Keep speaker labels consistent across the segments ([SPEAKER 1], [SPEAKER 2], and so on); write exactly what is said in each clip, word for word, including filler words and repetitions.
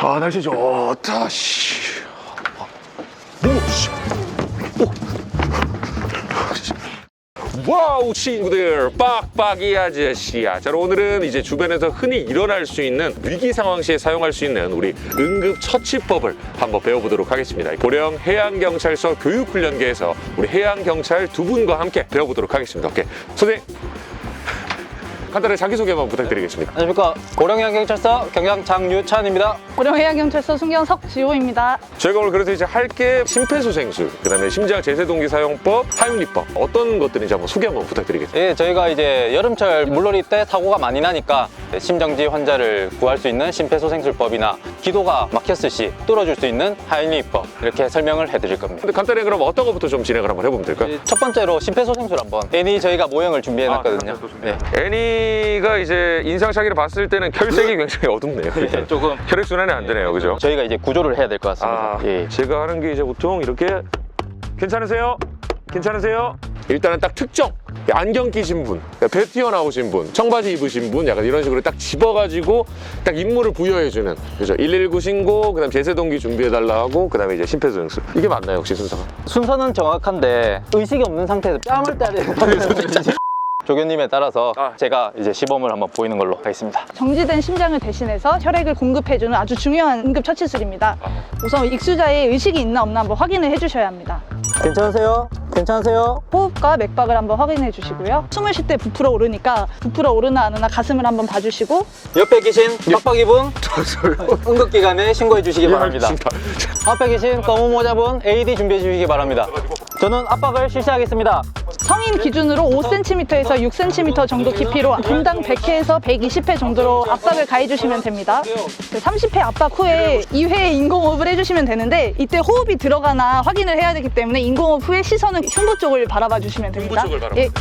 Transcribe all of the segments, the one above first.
[SPEAKER 1] 아, 날씨 좋다. 씨. 오, 씨. 오. 와우, 친구들, 빡빡이 아저씨야. 자, 오늘은 이제 주변에서 흔히 일어날 수 있는 위기 상황 시에 사용할 수 있는 우리 응급 처치법을 한번 배워보도록 하겠습니다. 고령 해양경찰서 교육훈련계에서 우리 해양경찰 두 분과 함께 배워보도록 하겠습니다. 오케이, 선생님, 간단하게 자기소개만 부탁드리겠습니다.
[SPEAKER 2] 안녕하십니까, 고령해양경찰서 경장 장유찬입니다.
[SPEAKER 3] 고령해양경찰서 순경 석지호입니다.
[SPEAKER 1] 저희가 오늘 그래서 이제 할 게 심폐소생술, 그 다음에 심장 제세동기 사용법, 하윤리법, 어떤 것들인지 한번 소개 한번 부탁드리겠습니다.
[SPEAKER 2] 예, 저희가 이제 여름철 물놀이 때 사고가 많이 나니까 심정지 환자를 구할 수 있는 심폐소생술법이나 기도가 막혔을 시 뚫어줄 수 있는 하윤리법, 이렇게 설명을 해드릴 겁니다.
[SPEAKER 1] 근데 간단히 그럼 어떤 것부터 좀 진행을 한번 해보면 될까요?
[SPEAKER 2] 첫 번째로 심폐소생술 한번. 애니 저희가 모형을 준비해놨거든요.
[SPEAKER 1] 네. 애니가 이제 인상착의를 봤을 때는 혈색이 굉장히 어둡네요.
[SPEAKER 2] 네, 조금
[SPEAKER 1] 혈액순환이 안 되네요, 그죠?
[SPEAKER 2] 저희가 이제 구조를 해야 될 것 같습니다.
[SPEAKER 1] 아,
[SPEAKER 2] 예.
[SPEAKER 1] 제가 하는 게 이제 보통 이렇게 괜찮으세요? 괜찮으세요? 일단은 딱 특정 안경 끼신 분, 배 튀어나오신 분, 청바지 입으신 분, 약간 이런 식으로 딱 집어가지고 딱 임무를 부여해주는, 그죠? 일일구 신고, 그다음 제세동기 준비해달라 하고, 그다음에 이제 심폐소생술. 이게 맞나요, 혹시 순서가?
[SPEAKER 2] 순서는 정확한데 의식이 없는 상태에서 뺨을 때야 되는 조교님에 따라서
[SPEAKER 1] 아.
[SPEAKER 2] 제가 이제 시범을 한번 보이는 걸로 하겠습니다.
[SPEAKER 3] 정지된 심장을 대신해서 혈액을 공급해주는 아주 중요한 응급처치술입니다. 우선 익수자의 의식이 있나 없나 한번 확인을 해주셔야 합니다.
[SPEAKER 2] 괜찮으세요? 괜찮으세요?
[SPEAKER 3] 호흡과 맥박을 한번 확인해 주시고요. 숨을 쉴 때 부풀어 오르니까 부풀어 오르나 안 오나 가슴을 한번 봐주시고,
[SPEAKER 2] 옆에 계신 빡빡이분 응급기관에 신고해 주시기 바랍니다. 앞에 계신 검은 모자분 에이디 준비해 주시기 바랍니다. 저는 압박을 실시하겠습니다.
[SPEAKER 3] 성인 기준으로 오 센티미터에서 육 센티미터 정도 깊이로 분당 백 회에서 백이십 회 정도로 압박을 가해주시면 됩니다. 삼십 회 압박 후에 이 회 인공호흡을 해주시면 되는데, 이때 호흡이 들어가나 확인을 해야 되기 때문에 인공호흡 후에 시선은 흉부 쪽을 바라봐 주시면 됩니다.
[SPEAKER 1] 흉부 쪽을 바라봐.
[SPEAKER 3] 예.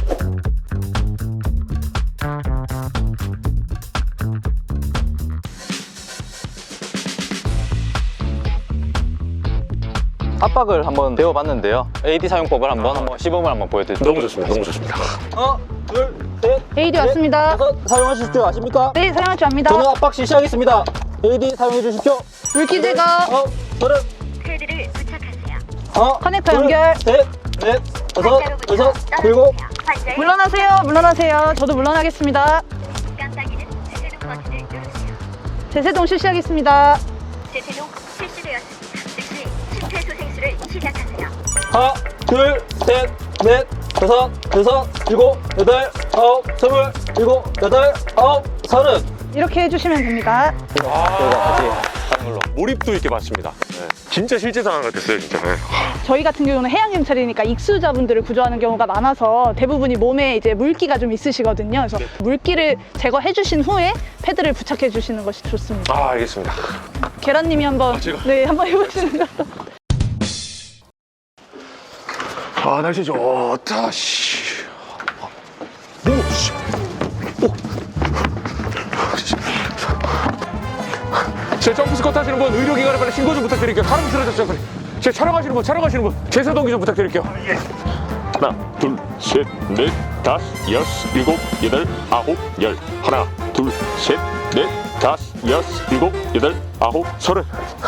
[SPEAKER 2] 압박을 한번 배워봤는데요. 에이디 사용법을 한번 한번 시범을 한번 보여드릴게요.
[SPEAKER 1] 너무 좋습니다. 너무 좋습니다.
[SPEAKER 2] 하나, 둘, 셋,
[SPEAKER 3] 에이디 왔습니다.
[SPEAKER 2] 다섯. 사용하실 줄 아십니까?
[SPEAKER 3] 네, 사용할 줄 압니다.
[SPEAKER 2] 저는 압박 실시하겠습니다. 에이디 사용해 주십시오.
[SPEAKER 3] 물기 제거,
[SPEAKER 2] 어, 저는
[SPEAKER 4] 패드를 부착하세요.
[SPEAKER 2] 하나,
[SPEAKER 3] 커넥터
[SPEAKER 2] 둘,
[SPEAKER 3] 연결.
[SPEAKER 2] 셋, 넷, 다섯,
[SPEAKER 4] 환자로부터
[SPEAKER 2] 여섯,
[SPEAKER 4] 떨어지며
[SPEAKER 2] 일곱.
[SPEAKER 4] 환자의
[SPEAKER 3] 물러나세요. 물러나세요. 저도 물러나겠습니다.
[SPEAKER 4] 깜빡이는 제세동 버튼을 누르세요.
[SPEAKER 3] 제세동 실시하겠습니다.
[SPEAKER 4] 제세동 실시되었습니다. 즉시 심폐소생술을 시작하세요.
[SPEAKER 2] 하나, 둘, 셋, 넷, 다섯, 여섯, 일곱, 여덟, 아홉, 스물, 일곱, 여덟, 아홉, 서른.
[SPEAKER 3] 이렇게 해주시면 됩니다.
[SPEAKER 2] 저희가 다시 하는 걸로.
[SPEAKER 1] 몰입도 있게 봤습니다. 네. 진짜 실제 상황 같았어요, 진짜. 네.
[SPEAKER 3] 저희 같은 경우는 해양경찰이니까 익수자분들을 구조하는 경우가 많아서 대부분이 몸에 이제 물기가 좀 있으시거든요. 그래서 물기를 제거해 주신 후에 패드를 부착해 주시는 것이 좋습니다.
[SPEAKER 1] 아, 알겠습니다.
[SPEAKER 3] 계란님이 한번
[SPEAKER 1] 제가?
[SPEAKER 3] 네 한번 해보시는 것도.
[SPEAKER 1] 아, 날씨 좋다. 씨. 오, 씨. 오. 제 점프 스쿼트 하시는 분, 의료기관에 빨리 신고 좀 부탁드릴게요. 사람 쓰러졌어요, 빨리. 제 촬영하시는 분, 촬영하시는 분, 제세동기 좀 부탁드릴게요. 하나, 둘, 셋, 넷, 다섯, 여섯, 일곱, 여덟, 아홉, 열. 하나, 둘, 셋, 넷, 다섯, 여섯, 일곱, 여덟, 아홉, 서른.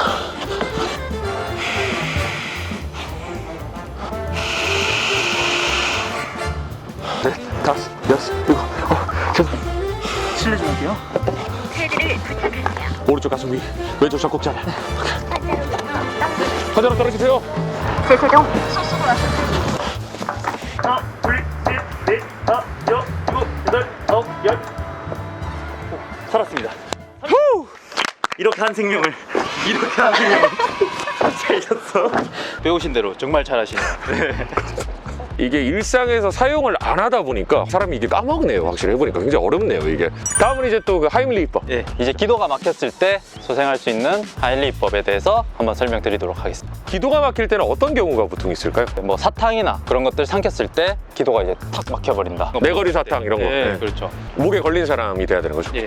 [SPEAKER 1] 넷, 다섯, 여섯, 일곱, 어, 죄송.
[SPEAKER 2] 실례 좀 할게요.
[SPEAKER 4] 패드를 부착하세요.
[SPEAKER 1] 오른쪽 가슴 위, 왼쪽 젖꼭지 아래.
[SPEAKER 4] 환자로부터 떨어지며
[SPEAKER 1] 환자로 떨어지세요.
[SPEAKER 4] 제세동 실시되었습니다.
[SPEAKER 5] 하나, 둘, 셋, 넷, 다섯, 여섯, 일곱, 여덟, 아홉, 열. 살았습니다. 후! 이렇게 한 생명을, 이렇게 한 생명을 살렸어.
[SPEAKER 2] 배우신 대로 정말 잘하시네요.
[SPEAKER 1] 이게 일상에서 사용을 안 하다 보니까 사람이 이게 까먹네요. 확실히 해보니까 굉장히 어렵네요, 이게. 다음은 이제 또 그 하임리히법.
[SPEAKER 2] 예, 이제 기도가 막혔을 때 소생할 수 있는 하인리법에 대해서 한번 설명드리도록 하겠습니다.
[SPEAKER 1] 기도가 막힐 때는 어떤 경우가 보통 있을까요?
[SPEAKER 2] 뭐 사탕이나 그런 것들 삼켰을 때 기도가 이제 탁 막혀버린다.
[SPEAKER 1] 내거리 사탕 이런 거.
[SPEAKER 2] 예,
[SPEAKER 1] 네.
[SPEAKER 2] 그렇죠.
[SPEAKER 1] 목에 걸린 사람이 돼야 되는 거죠.
[SPEAKER 2] 예.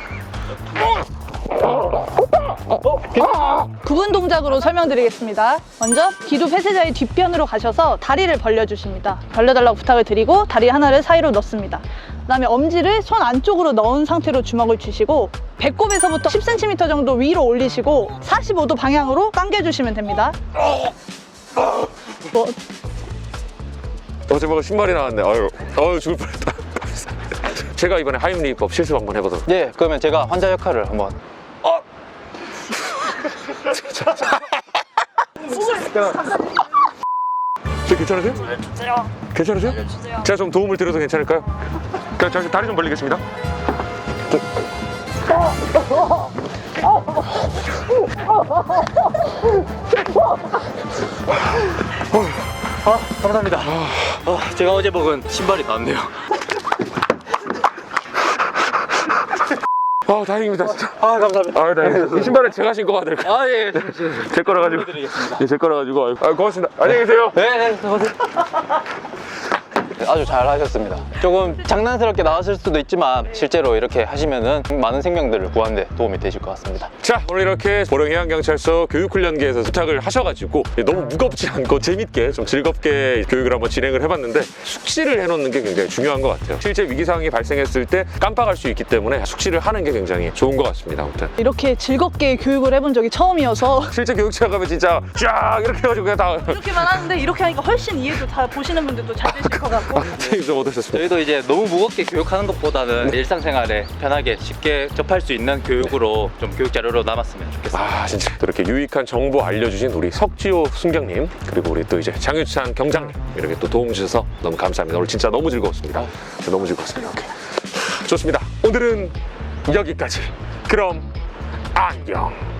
[SPEAKER 3] 구분 동작으로 설명드리겠습니다. 먼저 기도 폐쇄자의 뒷편으로 가셔서 다리를 벌려주십니다. 벌려달라고 부탁을 드리고 다리 하나를 사이로 넣습니다. 그다음에 엄지를 손 안쪽으로 넣은 상태로 주먹을 쥐시고 배꼽에서부터 십 센티미터 정도 위로 올리시고 사십오 도 방향으로 당겨주시면 됩니다. 뭐,
[SPEAKER 1] 어제 뭐가 신발이 나왔네. 아유, 아유 죽을 뻔했다. 제가 이번에 하임리법 실습 한번 해보도록.
[SPEAKER 2] 예, 그러면 제가 환자 역할을 한번.
[SPEAKER 1] 저 괜찮으세요? 괜찮으세요? 제가 좀 도움을 드려도 괜찮을까요? 그냥 잠시 다리 좀 벌리겠습니다.
[SPEAKER 5] 아, 감사합니다. 아, 제가 어제 먹은 신발이 나왔네요.
[SPEAKER 1] 아, 다행입니다, 진짜.
[SPEAKER 5] 아, 감사합니다.
[SPEAKER 1] 아, 다행입니다. 이 신발은 제가 신고 가도 될까요?
[SPEAKER 5] 아, 예.
[SPEAKER 1] 제 거라 가지고.
[SPEAKER 5] 드리겠습니다.
[SPEAKER 1] 예, 제 거라 가지고. 아유, 아유, 고맙습니다. 안녕히 계세요.
[SPEAKER 2] 네, 네, 아주 잘 하셨습니다. 조금 장난스럽게 나왔을 수도 있지만 실제로 이렇게 하시면은 많은 생명들을 구하는 데 도움이 되실 것 같습니다.
[SPEAKER 1] 자, 오늘 이렇게 보령해양경찰서 교육훈련계에서 부탁을 하셔가지고 너무 무겁지 않고 재밌게 좀 즐겁게 교육을 한번 진행을 해봤는데 숙지를 해놓는 게 굉장히 중요한 것 같아요. 실제 위기 상황이 발생했을 때 깜빡할 수 있기 때문에 숙지를 하는 게 굉장히 좋은 것 같습니다. 아무튼
[SPEAKER 3] 이렇게 즐겁게 교육을 해본 적이 처음이어서
[SPEAKER 1] 실제 교육차 가면 진짜 쫙 이렇게 해가지고 그냥 다
[SPEAKER 3] 이렇게만 하는데 이렇게 하니까 훨씬 이해도 다 보시는 분들도 잘 되실 것 같고
[SPEAKER 1] 선생님 좀 어떠셨습니까?
[SPEAKER 5] 저희도 이제 너무 무겁게 교육하는 것보다는 일상생활에 편하게 쉽게 접할 수 있는 교육으로 좀 교육 자료로 남았으면 좋겠습니다.
[SPEAKER 1] 아, 진짜 또 이렇게 유익한 정보 알려주신 우리 석지호 순경님 그리고 우리 또 이제 장유찬 경장님 이렇게 또 도움 주셔서 너무 감사합니다. 오늘 진짜 너무 즐거웠습니다. 진짜 너무 즐거웠습니다. 오케이. 좋습니다. 오늘은 여기까지. 그럼 안녕.